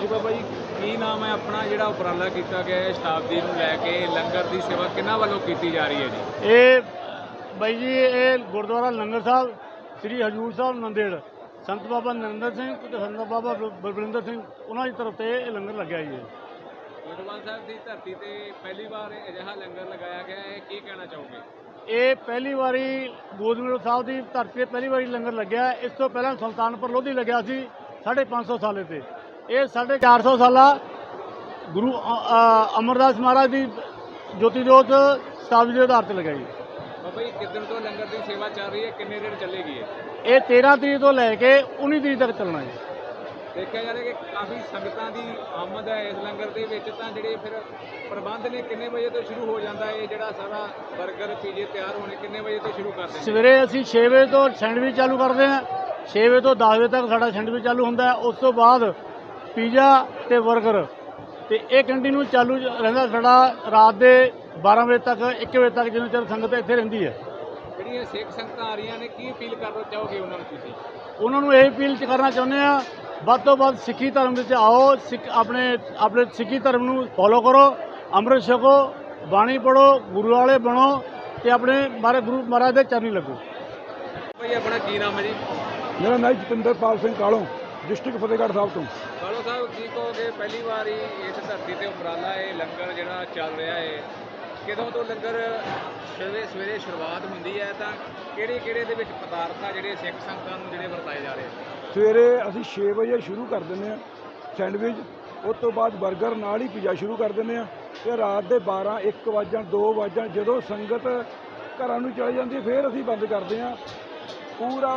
ਬਾਬਾ ਜੀ ਕੀ ਨਾਮ ਹੈ ਆਪਣਾ ਜਿਹੜਾ ਉਪਰਾਲਾ ਕੀਤਾ ਗਿਆ ਹੈ ਸ਼ਤਾਬਦੀ ਨੂੰ ਲੈ ਕੇ ਲੰਗਰ ਦੀ ਸੇਵਾ ਕਿਹਨਾਂ ਵੱਲੋਂ ਕੀਤੀ ਜਾ ਰਹੀ ਹੈ ਜੀ? ਇਹ ਬਾਈ ਜੀ ਇਹ ਗੁਰਦੁਆਰਾ ਲੰਗਰ ਸਾਹਿਬ ਸ੍ਰੀ ਹਜੂਰ ਸਾਹਿਬ ਨੰਦੇੜ ਸੰਤ ਬਾਬਾ ਨਰਿੰਦਰ ਸਿੰਘ ਤੇ ਸੰਤ ਬਾਬਾ ਬਲਵਿੰਦਰ ਸਿੰਘ ਉਹਨਾਂ ਦੀ ਤਰਫ ਤੇ ਇਹ ਲੰਗਰ ਲੱਗਿਆ ਜੀ। ਗੋਇੰਦਵਾਲ ਸਾਹਿਬ ਦੀ ਧਰਤੀ ਤੇ ਪਹਿਲੀ ਵਾਰ ਅਜਿਹਾ ਲੰਗਰ ਲਗਾਇਆ ਗਿਆ ਹੈ, ਕੀ ਕਹਿਣਾ ਚਾਹੋਗੇ? ਇਹ ਪਹਿਲੀ ਵਾਰੀ ਗੋਦਮੇਲ ਸਾਹਿਬ ਦੀ ਧਰਤੀ ਤੇ ਪਹਿਲੀ ਵਾਰੀ ਲੰਗਰ ਲੱਗਿਆ। ਇਸ ਤੋਂ ਪਹਿਲਾਂ ਸੁਲਤਾਨਪੁਰ ਲੋਧੀ ਲੱਗਿਆ ਸੀ 550 ਸਾਲੇ ਤੇ। ਇਹ 450 ਸਾਲਾ ਗੁਰੂ ਅਮਰਦਾਸ ਮਹਾਰਾਜ ਦੀ ਜੋਤੀ ਜੋਤ ਸ਼ਤਾਬਦੀ ਦੇ ਆਧਾਰ ਤੇ ਲਗਾਈ। ਬਾਬਾ ਜੀ ਕਿੱਦਣ ਤੋਂ ਲੰਗਰ ਦੀ ਸੇਵਾ ਚੱਲ ਰਹੀ ਹੈ, ਕਿੰਨੇ ਦਿਨ ਚੱਲੇਗੀ ਇਹ 13 ਤਰੀਕ ਤੋਂ ਲੈ ਕੇ 19 ਤਰੀਕ ਤੱਕ ਚੱਲਣਾ ਹੈ। ਦੇਖਿਆ ਜਾ ਰਿਹਾ ਕਿ ਕਾਫੀ ਸੰਗਤਾਂ ਦੀ ਆਮਦ ਹੈ ਇਸ ਲੰਗਰ ਦੇ ਵਿੱਚ। ਤਾਂ ਜਿਹੜੇ ਫਿਰ ਪ੍ਰਬੰਧ ਨੇ ਕਿੰਨੇ ਵਜੇ ਤੋਂ ਸ਼ੁਰੂ ਹੋ ਜਾਂਦਾ ਹੈ ਜਿਹੜਾ ਸਾਰਾ 버ਗਰ ਪੀਜੇ ਤਿਆਰ ਹੋਣੇ, ਕਿੰਨੇ ਵਜੇ ਤੋਂ ਸ਼ੁਰੂ ਕਰਦੇ? ਸਵੇਰੇ ਅਸੀਂ 6 ਵਜੇ ਤੋਂ ਸੈਂਡਵਿਚ ਚਾਲੂ ਕਰਦੇ ਹਾਂ। 6 ਵਜੇ ਤੋਂ 10 ਵਜੇ ਤੱਕ ਸਾਡਾ ਸੈਂਡਵਿਚ ਚਾਲੂ ਹੁੰਦਾ ਹੈ। ਉਸ ਤੋਂ ਬਾਅਦ ਪੀਜ਼ਾ ਤੇ 버ਗਰ ਤੇ ਇਹ ਕੰਟੀਨਿਊ ਚਾਲੂ ਰਹਿੰਦਾ ਸਾਡਾ ਰਾਤ ਦੇ 12 ਵਜੇ ਤੱਕ 1 ਵਜੇ ਤੱਕ, ਜਿੰਨਾ ਚਿਰ ਸੰਗਤ ਇੱਥੇ ਰਹਿੰਦੀ ਹੈ। ਜਿਹੜੀਆਂ ਸਿੱਖ ਸੰਗਤਾਂ ਆ ਰਹੀਆਂ ਨੇ ਕੀ ਅਪੀਲ ਕਰਨਾ ਚਾਹੋਗੇ ਉਹਨਾਂ ਨੂੰ ਤੁਸੀਂ? ਉਹਨਾਂ ਨੂੰ ਇਹ ਅਪੀਲ ਕਰਨਾ ਚਾਹੁੰਦੇ ਆ ਵੱਧ ਤੋਂ ਵੱਧ ਸਿੱਖੀ ਧਰਮ ਵਿੱਚ ਆਓ, ਆਪਣੇ ਸਿੱਖੀ ਧਰਮ ਨੂੰ ਫੋਲੋ ਕਰੋ, ਅੰਮ੍ਰਿਤ ਛਕੋ, ਬਾਣੀ ਪੜੋ, ਗੁਰੂ ਵਾਲੇ ਬਣੋ ਤੇ ਆਪਣੇ ਗੁਰੂ ਮਹਾਰਾਜ ਦੇ ਚਰਨੀ ਲੱਗੋ। ਭਾਈ ਆਪਣਾ ਕੀ ਨਾਮ ਹੈ ਜੀ? ਮੇਰਾ ਨਾਮ ਜਤਿੰਦਰਪਾਲ ਸਿੰਘ ਕਾਲੋਂ, ਡਿਸਟ੍ਰਿਕਟ ਫਤਿਹਗੜ੍ਹ ਸਾਹਿਬ ਤੋਂ। ਕਾਲੋ ਸਾਹਿਬ ਕੀ ਕਹੋਗੇ, ਪਹਿਲੀ ਵਾਰੀ ਇਸ ਧਰਤੀ ਤੇ ਉਪਰਾਲਾ ਇਹ ਲੰਗਰ ਜਿਹੜਾ ਚੱਲ ਰਿਹਾ ਹੈ, ਕਿਦੋਂ ਤੋਂ ਲੰਗਰ ਸਵੇਰੇ ਸ਼ੁਰੂਆਤ ਹੁੰਦੀ ਹੈ ਤਾਂ ਕਿਹੜੇ ਦੇ ਵਿੱਚ ਪਦਾਰਥ ਆ ਜਿਹੜੇ ਸਿੱਖ ਸੰਗਤਾਂ ਨੂੰ ਜਿਹੜੇ ਵਰਤਾਏ ਜਾ ਰਹੇ? ਸਵੇਰੇ ਅਸੀਂ 6 ਵਜੇ ਸ਼ੁਰੂ ਕਰ ਦਿੰਦੇ ਹਾਂ ਸੈਂਡਵਿਚ, ਉਸ ਤੋਂ ਬਾਅਦ 버ਗਰ ਨਾਲ ਹੀ ਪੀਜ਼ਾ ਸ਼ੁਰੂ ਕਰ ਦਿੰਦੇ ਹਾਂ ਤੇ ਰਾਤ ਦੇ 12 1 ਵਜੇ 2 ਵਜੇ ਜਦੋਂ ਸੰਗਤ ਘਰਾਂ ਨੂੰ ਚਲੀ ਜਾਂਦੀ ਫਿਰ ਅਸੀਂ ਬੰਦ ਕਰਦੇ ਹਾਂ ਪੂਰਾ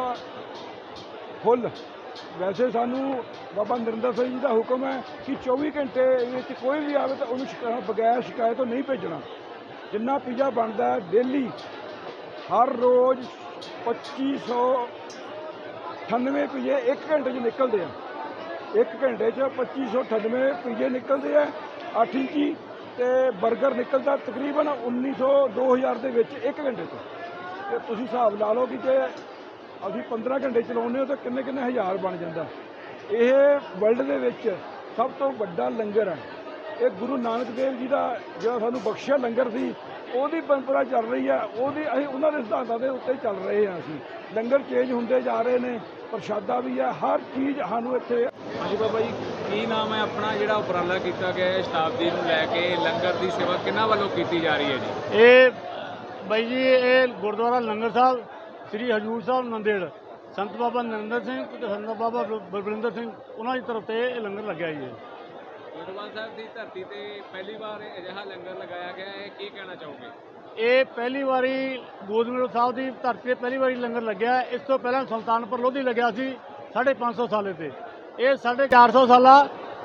ਫੁੱਲ। ਵੈਸੇ ਸਾਨੂੰ ਬਾਬਾ ਨਰਿੰਦਰ ਸਿੰਘ ਜੀ ਦਾ ਹੁਕਮ ਹੈ ਕਿ 24 ਘੰਟੇ ਵਿੱਚ ਕੋਈ ਵੀ ਆਵੇ ਤਾਂ ਉਹਨੂੰ ਬਗੈਰ ਸ਼ਿਕਾਇਤ ਤੋਂ ਨਹੀਂ ਭੇਜਣਾ। ਜਿੰਨਾ ਪੀਜ਼ਾ ਬਣਦਾ ਹੈ ਡੇਲੀ ਹਰ ਰੋਜ਼ 2598 ਪੀਜ਼ੇ 1 ਘੰਟੇ 'ਚ ਨਿਕਲਦੇ ਆ। 1 ਘੰਟੇ 'ਚ 2598 ਪੀਜ਼ੇ ਨਿਕਲਦੇ ਆ 8 ਇੰਚੀ ਤੇ 버ਗਰ ਨਿਕਲਦਾ ਤਕਰੀਬਨ 1900 2000 ਦੇ ਵਿੱਚ 1 ਘੰਟੇ 'ਚ। ਤੇ ਤੁਸੀਂ ਹਿਸਾਬ ਲਾ ਲਓ ਕਿ ਜੇ ਅਸੀਂ 15 ਘੰਟੇ ਚਲਾਉਂਦੇ ਹਾਂ ਤਾਂ ਕਿੰਨੇ ਹਜ਼ਾਰ ਬਣ ਜਾਂਦਾ। ਇਹ ਵਰਲਡ ਦੇ ਵਿੱਚ ਸਭ ਤੋਂ ਵੱਡਾ ਲੰਗਰ ਹੈ। ਇਹ ਗੁਰੂ ਨਾਨਕ ਦੇਵ ਜੀ ਦਾ ਜਿਹੜਾ ਸਾਨੂੰ ਬਖਸ਼ਿਆ ਲੰਗਰ ਸੀ, ਉਹਦੀ ਪਰੰਪਰਾ ਚੱਲ ਰਹੀ ਹੈ। ਅਸੀਂ ਉਹਨਾਂ ਦੇ ਸਿਧਾਂਤਾਂ ਦੇ ਉੱਤੇ ਚੱਲ ਰਹੇ ਹਾਂ। ਅਸੀਂ ਲੰਗਰ ਚੇਂਜ ਹੁੰਦੇ ਜਾ ਰਹੇ ਨੇ, ਪ੍ਰਸ਼ਾਦਾ ਵੀ ਹੈ, ਹਰ ਚੀਜ਼ ਸਾਨੂੰ ਇੱਥੇ। ਹਾਂਜੀ ਬਾਬਾ ਜੀ ਕੀ ਨਾਮ ਹੈ ਆਪਣਾ ਜਿਹੜਾ ਉਪਰਾਲਾ ਕੀਤਾ ਗਿਆ ਹੈ ਸ਼ਤਾਬਦੀ ਨੂੰ ਲੈ ਕੇ ਲੰਗਰ ਦੀ ਸੇਵਾ ਕਿਹਨਾਂ ਵੱਲੋਂ ਕੀਤੀ ਜਾ ਰਹੀ ਹੈ ਜੀ? ਇਹ ਬਾਈ ਜੀ ਇਹ ਗੁਰਦੁਆਰਾ ਲੰਗਰ ਸਾਹਿਬ ਸ੍ਰੀ ਹਜੂਰ ਸਾਹਿਬ ਨੰਦੇੜ ਸੰਤ ਬਾਬਾ ਨਰਿੰਦਰ ਸਿੰਘ ਤੇ ਸੰਤ ਬਾਬਾ ਬਲਵਿੰਦਰ ਸਿੰਘ ਉਹਨਾਂ ਦੀ ਤਰਫ ਤੇ ਇਹ ਲੰਗਰ ਲੱਗਿਆ ਜੀ। ਗੋਇੰਦਵਾਲ ਸਾਹਿਬ ਦੀ ਧਰਤੀ ਤੇ ਪਹਿਲੀ ਵਾਰ ਅਜਿਹਾ ਲੰਗਰ ਲਗਾਇਆ ਗਿਆ ਹੈ, ਕੀ ਕਹਿਣਾ ਚਾਹੋਗੇ? ਇਹ ਪਹਿਲੀ ਵਾਰੀ ਗੋਦਮੇਲ ਸਾਹਿਬ ਦੀ ਧਰਤੀ ਤੇ ਪਹਿਲੀ ਵਾਰੀ ਲੰਗਰ ਲੱਗਿਆ। ਇਸ ਤੋਂ ਪਹਿਲਾਂ ਸੁਲਤਾਨਪੁਰ ਲੋਧੀ ਲੱਗਿਆ ਸੀ 550 ਸਾਲੇ ਤੇ। ਇਹ 450 ਸਾਲਾ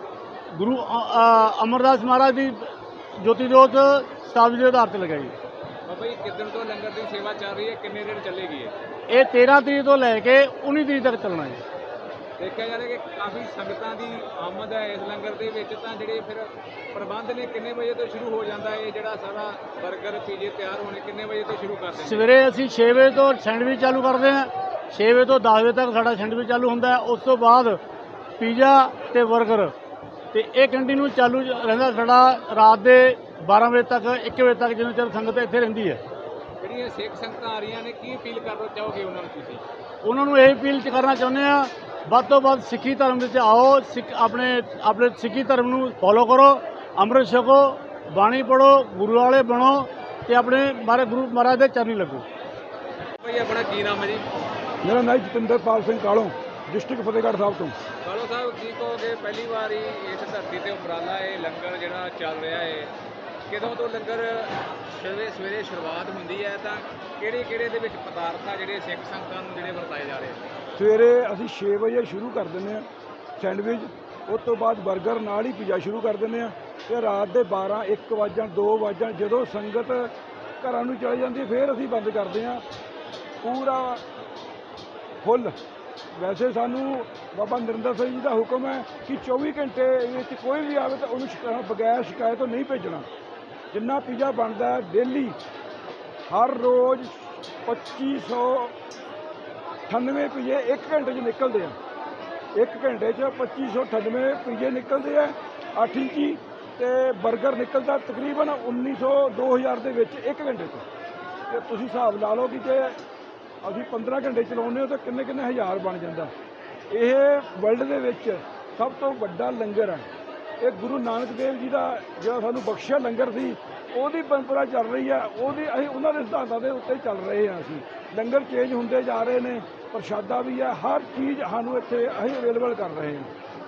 ਗੁਰੂ ਅਮਰਦਾਸ ਮਹਾਰਾਜ ਦੀ ਜੋਤੀ ਜੋਤ ਸ਼ਤਾਬਦੀ ਦੇ ਆਧਾਰ ਤੇ ਲਗਾਈ। ਬਾਬਾ ਜੀ ਕਿੱਦਣ ਤੋਂ ਲੰਗਰ ਦੀ ਸੇਵਾ ਚੱਲ ਰਹੀ ਹੈ, ਕਿੰਨੇ ਦਿਨ ਚੱਲੇਗੀ ਇਹ 13 ਤਰੀਕ ਤੋਂ ਲੈ ਕੇ 19 ਤਰੀਕ ਤੱਕ ਚੱਲਣਾ ਹੈ। ਦੇਖਿਆ ਜਾ ਰਿਹਾ ਕਿ ਕਾਫੀ ਸੰਗਤਾਂ ਦੀ ਆਮਦ ਹੈ ਇਸ ਲੰਗਰ ਦੇ ਵਿੱਚ। ਤਾਂ ਜਿਹੜੇ ਫਿਰ ਪ੍ਰਬੰਧ ਨੇ ਕਿੰਨੇ ਵਜੇ ਤੋਂ ਸ਼ੁਰੂ ਹੋ ਜਾਂਦਾ ਹੈ ਜਿਹੜਾ ਸਾਰਾ 버ਗਰ ਪੀਜੇ ਤਿਆਰ ਹੋਣੇ, ਕਿੰਨੇ ਵਜੇ ਤੋਂ ਸ਼ੁਰੂ ਕਰਦੇ? ਸਵੇਰੇ ਅਸੀਂ 6 ਵਜੇ ਤੋਂ ਸੈਂਡਵਿਚ ਚਾਲੂ ਕਰਦੇ ਹਾਂ। 6 ਵਜੇ ਤੋਂ 10 ਵਜੇ ਤੱਕ ਸਾਡਾ ਸੈਂਡਵਿਚ ਚਾਲੂ ਹੁੰਦਾ ਹੈ। ਉਸ ਤੋਂ ਬਾਅਦ ਪੀਜ਼ਾ ਤੇ 버ਗਰ ਤੇ ਇਹ ਕੰਟੀਨਿਊ ਚਾਲੂ ਰਹਿੰਦਾ ਸਾਡਾ ਰਾਤ ਦੇ 12 ਵਜੇ ਤੱਕ 1 ਵਜੇ ਤੱਕ, ਜਿੰਨਾ ਚਿਰ ਸੰਗਤ ਇੱਥੇ ਰਹਿੰਦੀ ਹੈ। ਜਿਹੜੀਆਂ ਸਿੱਖ ਸੰਗਤਾਂ ਆ ਰਹੀਆਂ ਨੇ ਕੀ ਅਪੀਲ ਕਰਨਾ ਚਾਹੋਗੇ ਉਹਨਾਂ ਨੂੰ ਤੁਸੀਂ? ਉਹਨਾਂ ਨੂੰ ਇਹ ਅਪੀਲ ਕਰਨਾ ਚਾਹੁੰਦੇ ਆ ਵੱਧ ਤੋਂ ਵੱਧ ਸਿੱਖੀ ਧਰਮ ਵਿੱਚ ਆਓ, ਆਪਣੇ ਸਿੱਖੀ ਧਰਮ ਨੂੰ ਫੋਲੋ ਕਰੋ, ਅੰਮ੍ਰਿਤ ਛਕੋ, ਬਾਣੀ ਪੜੋ, ਗੁਰੂ ਵਾਲੇ ਬਣੋ ਤੇ ਆਪਣੇ ਗੁਰੂ ਮਹਾਰਾਜ ਦੇ ਚਰਨੀ ਲੱਗੋ। ਭਾਈ ਆਪਣਾ ਕੀ ਨਾਮ ਹੈ ਜੀ? ਮੇਰਾ ਨਾਮ ਜਤਿੰਦਰਪਾਲ ਸਿੰਘ ਕਾਲੋਂ, ਡਿਸਟ੍ਰਿਕਟ ਫਤਿਹਗੜ੍ਹ ਸਾਹਿਬ ਤੋਂ। ਕਾਲੋ ਸਾਹਿਬ ਕੀ ਕਹੋਗੇ, ਪਹਿਲੀ ਵਾਰੀ ਇਸ ਧਰਤੀ ਤੇ ਉਪਰਾਲਾ ਇਹ ਲੰਗਰ ਜਿਹੜਾ ਚੱਲ ਰਿਹਾ ਹੈ, ਕਿਦੋਂ ਤੋਂ ਲੰਗਰ ਸਵੇਰੇ ਸ਼ੁਰੂਆਤ ਹੁੰਦੀ ਹੈ ਤਾਂ ਕਿਹੜੇ ਦੇ ਵਿੱਚ ਪਦਾਰਥ ਆ ਜਿਹੜੇ ਸਿੱਖ ਸੰਗਤਾਂ ਨੂੰ ਜਿਹੜੇ ਵਰਤਾਏ ਜਾ ਰਹੇ? ਸਵੇਰੇ ਅਸੀਂ 6 ਵਜੇ ਸ਼ੁਰੂ ਕਰ ਦਿੰਦੇ ਹਾਂ ਸੈਂਡਵਿਚ, ਉਸ ਤੋਂ ਬਾਅਦ 버ਗਰ ਨਾਲ ਹੀ ਪੀਜ਼ਾ ਸ਼ੁਰੂ ਕਰ ਦਿੰਦੇ ਹਾਂ ਤੇ ਰਾਤ ਦੇ 12 1 ਵਜੇ 2 ਵਜੇ ਜਦੋਂ ਸੰਗਤ ਘਰਾਂ ਨੂੰ ਚਲੀ ਜਾਂਦੀ ਫਿਰ ਅਸੀਂ ਬੰਦ ਕਰਦੇ ਹਾਂ ਪੂਰਾ ਫੁੱਲ। ਵੈਸੇ ਸਾਨੂੰ ਬਾਬਾ ਨਰਿੰਦਰ ਸਿੰਘ ਜੀ ਦਾ ਹੁਕਮ ਹੈ ਕਿ 24 ਘੰਟੇ ਵਿੱਚ ਕੋਈ ਵੀ ਆਵੇ ਤਾਂ ਉਹਨੂੰ ਬਗੈਰ ਸ਼ਿਕਾਇਤ ਤੋਂ ਨਹੀਂ ਭੇਜਣਾ। ਜਿੰਨਾ ਪੀਜ਼ਾ ਬਣਦਾ ਹੈ ਡੇਲੀ ਹਰ ਰੋਜ਼ 2598 ਪੀਜ਼ੇ 1 ਘੰਟੇ 'ਚ ਨਿਕਲਦੇ ਆ। 1 ਘੰਟੇ 'ਚ 2598 ਪੀਜੇ ਨਿਕਲਦੇ ਆ 8 ਇੰਚੀ ਤੇ 버ਗਰ ਨਿਕਲਦਾ ਤਕਰੀਬਨ 1900 2000 ਦੇ ਵਿੱਚ 1 ਘੰਟੇ 'ਚ। ਤੇ ਤੁਸੀਂ ਹਿਸਾਬ ਲਾ ਲਓ ਕਿ ਜੇ ਅਸੀਂ 15 ਘੰਟੇ ਚਲਾਉਂਦੇ ਹੋ ਤਾਂ ਕਿੰਨੇ ਕਿੰਨੇ ਹਜ਼ਾਰ ਬਣ ਜਾਂਦਾ। ਇਹ ਵਰਲਡ ਦੇ ਵਿੱਚ ਸਭ ਤੋਂ ਵੱਡਾ ਲੰਗਰ ਹੈ। ਇਹ ਗੁਰੂ ਨਾਨਕ ਦੇਵ ਜੀ ਦਾ ਜਿਹੜਾ ਸਾਨੂੰ ਬਖਸ਼ਿਆ ਲੰਗਰ ਸੀ, ਉਹਦੀ ਪਰੰਪਰਾ ਚੱਲ ਰਹੀ ਹੈ, ਅਸੀਂ ਉਹਨਾਂ ਦੇ ਸਿਧਾਂਤਾਂ ਦੇ ਉੱਤੇ ਚੱਲ ਰਹੇ ਹਾਂ। ਅਸੀਂ ਲੰਗਰ ਚੇਂਜ ਹੁੰਦੇ ਜਾ ਰਹੇ ਨੇ, ਪ੍ਰਸ਼ਾਦਾ ਵੀ ਹੈ, ਹਰ ਚੀਜ਼ ਸਾਨੂੰ ਇੱਥੇ ਅਸੀਂ ਅਵੇਲੇਬਲ ਕਰ ਰਹੇ ਹਾਂ।